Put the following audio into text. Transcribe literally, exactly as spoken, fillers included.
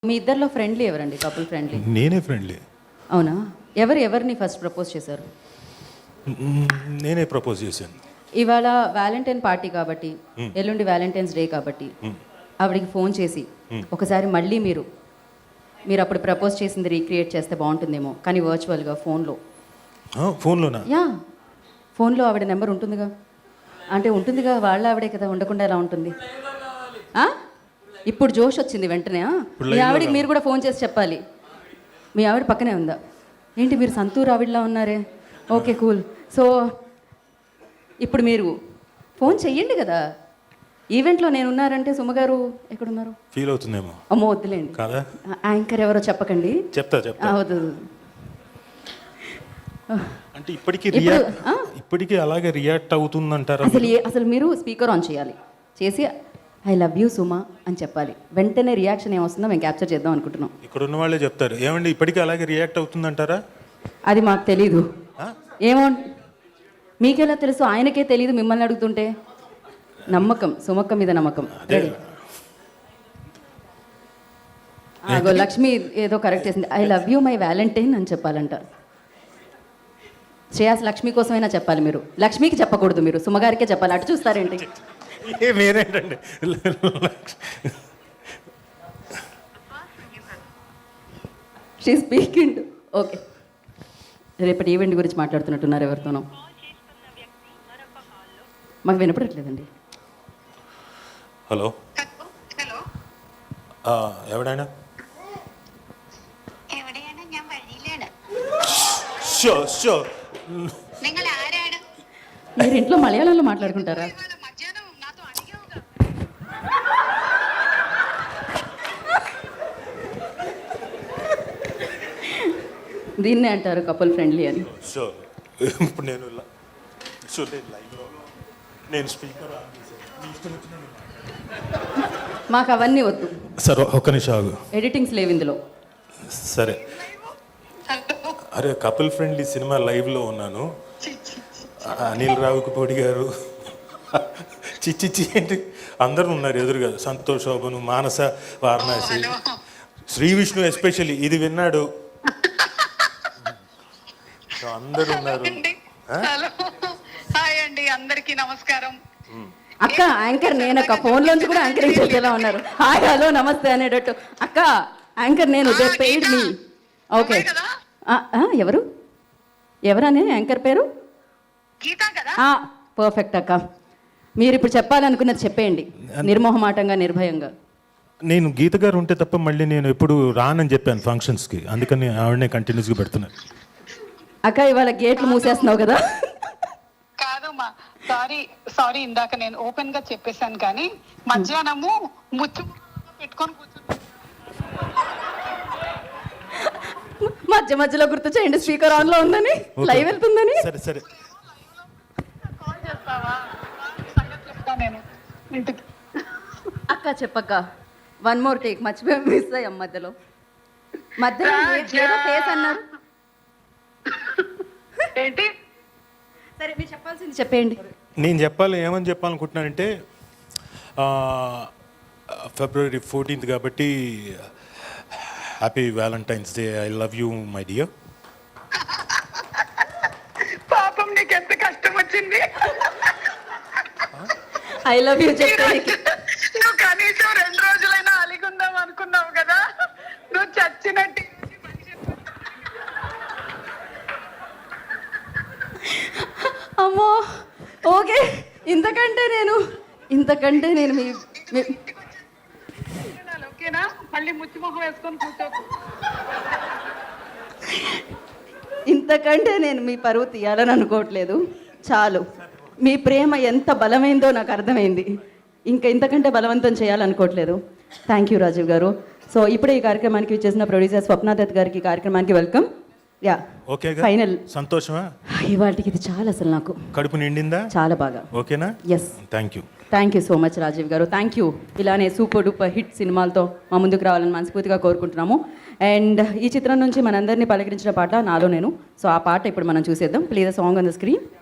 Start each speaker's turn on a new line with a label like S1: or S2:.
S1: మీ ఇద్దరిలో ఫ్రెండ్లీ ఎవరండి? Couple friendly?
S2: నేనే ఫ్రెండ్లీ.
S1: అవునా? ఎవరు ఎవరిని ఫస్ట్ ప్రపోజ్ చేశారు?
S2: నేనే ప్రపోజ్ చేశాను.
S1: ఇవాళ వ్యాలంటైన్ పార్టీ కాబట్టి, ఎల్లుండి వ్యాలంటైన్స్ డే కాబట్టి ఆవిడికి ఫోన్ చేసి ఒకసారి మళ్ళీ మీరు మీరు అప్పుడు ప్రపోజ్ చేసింది రీక్రియేట్ చేస్తే బాగుంటుందేమో, కానీ వర్చువల్గా ఫోన్లో.
S2: ఫోన్లోనా?
S1: యా, ఫోన్లో ఆవిడ నెంబర్ ఉంటుందిగా. అంటే ఉంటుందిగా, వాళ్ళ ఆవిడే కదా, ఉండకుండా ఎలా ఉంటుంది? ఇప్పుడు జోష్ వచ్చింది వెంటనే. మీ ఆవిడకి మీరు కూడా ఫోన్ చేసి చెప్పాలి. మీ ఆవిడ పక్కనే ఉందా? ఏంటి మీరు సంతూర్ ఆవిడలా ఉన్నారే? Okay, cool. సో ఇప్పుడు మీరు ఫోన్ చెయ్యండి కదా. ఈవెంట్లో నేను ఉన్నారంటే సుమగారు ఎక్కడున్నారు?
S2: ఫీల్ అవుతుందేమో.
S1: అమ్మో వద్దులేండి.
S2: కాదా?
S1: యాంకర్ ఎవరో చెప్పకండి.
S2: చెప్తా చెప్తా.
S1: వద్దు.
S2: అంటే ఇప్పటికీ రియాక్ట్ ఇప్పటికీ అలాగే రియాక్ట్ అవుతుందంటారా?
S1: అసలు అసలు మీరు స్పీకర్ ఆన్ చేయాలి, చేసి ఐ లవ్ యూ సుమా అని చెప్పాలి. వెంటనే రియాక్షన్ ఏమొస్తుందో మేము క్యాప్చర్ చేద్దాం అనుకుంటున్నాం.
S2: ఇక్కడ ఉన్న వాళ్ళే చెప్తారు. ఏమండి ఇప్పటికీ అలాగే రియాక్ట్ అవుతుందంటారా?
S1: అది మాకు తెలీదు. ఏమో, మీకెలా తెలుసు? ఆయనకే తెలీదు మిమ్మల్ని అడుగుతుంటే. నమ్మకం, సుమక్క మీద నమ్మకం. రెడీ? అగో లక్ష్మి ఏదో కరెక్ట్ చేసింది. I love you my valentine అని చెప్పాలంట. శ్రేయాస్ లక్ష్మి కోసమైనా చెప్పాలి మీరు. లక్ష్మికి చెప్పకూడదు, మీరు సుమగారికే చెప్పాలి. అటు చూస్తారేంటి?
S2: మీరేంటండి?
S1: She speaking. ఓకే, రేపటి ఈవెంట్ గురించి మాట్లాడుతున్నట్టున్నారు ఎవరితోనో. మాకు వినపడట్లేదండి.
S2: హలో എവിടെയാണ്?
S1: మీరు ఇంట్లో మలయాళంలో మాట్లాడుకుంటారా? దీన్నే అంటారు కపుల్ ఫ్రెండ్లీ అని.
S2: ఇప్పుడు నేను నేను స్పీకర్
S1: మాకు అవన్నీ వద్దు.
S2: సరే ఒక్క నిమిషం ఆగు.
S1: ఎడిటింగ్స్ లేవు ఇందులో.
S2: సరే. అరే కపుల్ ఫ్రెండ్లీ సినిమా లైవ్లో ఉన్నాను. అనిల్ రావిపూడి గారు, చిచ్చిచ్చి ఏంటి అందరూ ఉన్నారు ఎదురుగా. సంతోష్, శోభను, మానస, వారణాసి, శ్రీ విష్ణు ఎస్పెషల్లీ ఇది విన్నాడు. అందరూ ఉన్నారు.
S3: హాయ్ అండి, అందరికీ నమస్కారం.
S1: అక్క యాంకర్ నేనక్క. ఫోన్ లోంచి కూడా యాంకరింగ్ చేసేలా ఉన్నారు. హాయ్ హలో నమస్తే అనేటట్టు. అక్క యాంకర్ నేను, దే పెయిడ్ మీ. ఓకే, ఎవరు ఎవరనే యాంకర్ పేరు? పర్ఫెక్ట్ అక్క. మీరు ఇప్పుడు చెప్పాలనుకున్నది చెప్పేయండి, నిర్మోహమాటంగా, నిర్భయంగా.
S2: నేను గీత గారు ఉంటే తప్ప మళ్ళీ నేను ఎప్పుడు రానని చెప్పాను ఫంక్షన్స్కి, అందుకని ఆవిడనే కంటిన్యూస్గా పెడుతున్నాను.
S1: అక్క ఇవాళ గేట్లు మూసేస్తున్నావు కదా?
S3: కాదమ్మా, సారీ సారీ ఇందాక నేను ఓపెన్ గా చెప్పేశాను, కానీ మధ్యాహ్నము ముచ్చు పెట్టుకొని కూర్చున్నా.
S1: మధ్య మధ్యలో గుర్తు చేయండి, స్పీకర్ ఆన్ లో ఉందని, లైవ్ వెళ్తుందని.
S2: సరే సరే,
S3: కాల్ చేస్తావా? సంగతి చెప్తా నేను ఇంటికి.
S1: అక్క చెప్పక్క, వన్ మోర్ టేక్. మర్చిపోయి మిస్ అయ్యాం మధ్యలో. మధ్యలో ఏదో ఫేస్ అన్నారు.
S3: ఏంటి?
S1: సరే మీరు చెప్పాల్సింది చెప్పేయండి.
S2: నేను చెప్పాలి ఏమని చెప్పాలనుకుంటున్నానంటే, ఫిబ్రవరి ఫోర్టీన్త్ కాబట్టి happy valentine's day. I love you my dear.
S3: పాపం నీకు ఎంత కష్టం వచ్చింది.
S1: ఐ లవ్ యూ చెప్తే
S3: నువ్వు కనీసం రెండు రోజులైనా అలిగుందాం అనుకున్నావు కదా, నువ్వు చచ్చినట్టు.
S1: అమ్మో ఓకే, ఇంతకంటే నేను ఇంతకంటే నేను మీ
S3: ఓకేనా? మళ్ళీ ముచ్చి మొహం వేసుకొని కూర్చోకు.
S1: ఇంతకంటే నేను మీ పరువు తీయాలని అనుకోవట్లేదు. చాలు, మీ ప్రేమ ఎంత బలమైందో నాకు అర్థమైంది. ఇంకా ఇంతకంటే బలవంతం చేయాలనుకోవట్లేదు. థ్యాంక్ యూ రాజీవ్ గారు. సో ఇప్పుడే ఈ కార్యక్రమానికి వచ్చేసిన ప్రొడ్యూసర్ స్వప్నాదత్ గారికి కార్యక్రమానికి వెల్కమ్. Yeah,
S2: okay,
S1: final.
S2: సంతోషమా?
S1: ఇవాళకి ఇది చాలా, అసలు నాకు
S2: కడుపు నిండిందా?
S1: చాలా బాగా.
S2: ఓకేనా?
S1: Yes.
S2: Thank you
S1: thank you so much Rajiv garu. Thank you. ఇలానే సూపర్ డూపర్ హిట్ సినిమాలతో మా ముందుకు రావాలని మనస్ఫూర్తిగా కోరుకుంటున్నాము. అండ్ ఈ చిత్రం నుంచి మనందరినీ పలకరించిన పాట నాలో నేను. సో ఆ పాట ఇప్పుడు మనం చూసేద్దాం. Please the song on the screen.